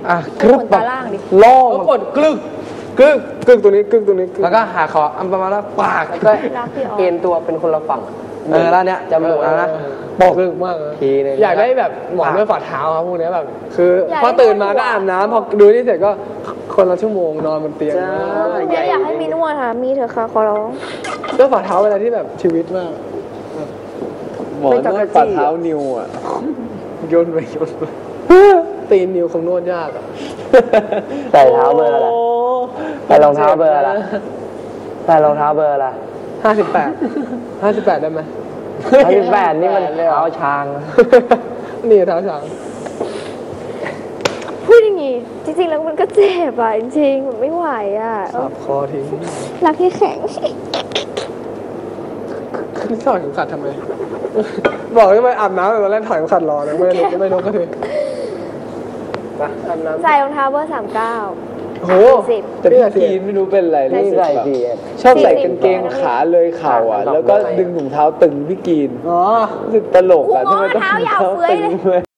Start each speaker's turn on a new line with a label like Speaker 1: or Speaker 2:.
Speaker 1: กรึบแบบล่องกดกรึกตัวนี้แล้วก็หาคออันประมาณว่าปากแล้วก็เอ็นตัวเป็นคนละฝั่งแล้วเนี้ยจมูกแล้วนะบอกลึกมากทีนึงอยากได้แบบหมอนด้วยฝ่าเท้าครับพวกนี้แบบคือพอตื่นมาก็อาบน้ำพอดูนี่เสร็จก็คนละชั่วโมงนอนบนเตียง
Speaker 2: อยากให้มีนวดค่ะมีเถอะค่ะขอร้อง
Speaker 1: ด้วยฝ่าเท้าเวลาที่แบบชีวิตมาก
Speaker 3: หมอนวดฝ่าเท้านิวอ่ะ
Speaker 1: โยนไปตีนนิวคงนวดยากอ่ะ
Speaker 4: ใส่เท้าเบอร์อะไรใส่รองเท้าเบอร์อะไรใส่รองเท้าเบอร์อะไร
Speaker 1: 58ได้ไหม
Speaker 4: 58นี่มันเท้าช้าง
Speaker 1: นี่เท้าช้าง
Speaker 2: พูดอย่างงี้จริงๆแล้วมันก็เจ็บอ่ะจริงๆมันไม่ไหวอ่ะ
Speaker 1: สับคอทิ้ง
Speaker 2: รักที่แข็ง
Speaker 1: ถอดเข็มขัดทำไมบอกได้ไหมอาบน้ำตอนแรกถอดเข็มขัดรอนะไม่ลงก็ถึง
Speaker 2: ใส่รองเท้าเบอร์39
Speaker 1: โห
Speaker 3: แต่พี่กีนไม่รู้เป็นอะไร
Speaker 4: นี่ใส่ดี
Speaker 3: ชอบใส่กางเกงขาเลยเข่าอ่ะแล้วก็ดึงถุงเท้าตึงพี่กีน
Speaker 1: อ๋อ
Speaker 3: รู้สึกตลกอ่ะทำไมต้อง
Speaker 2: เท้ายาวเฟ้ยเลย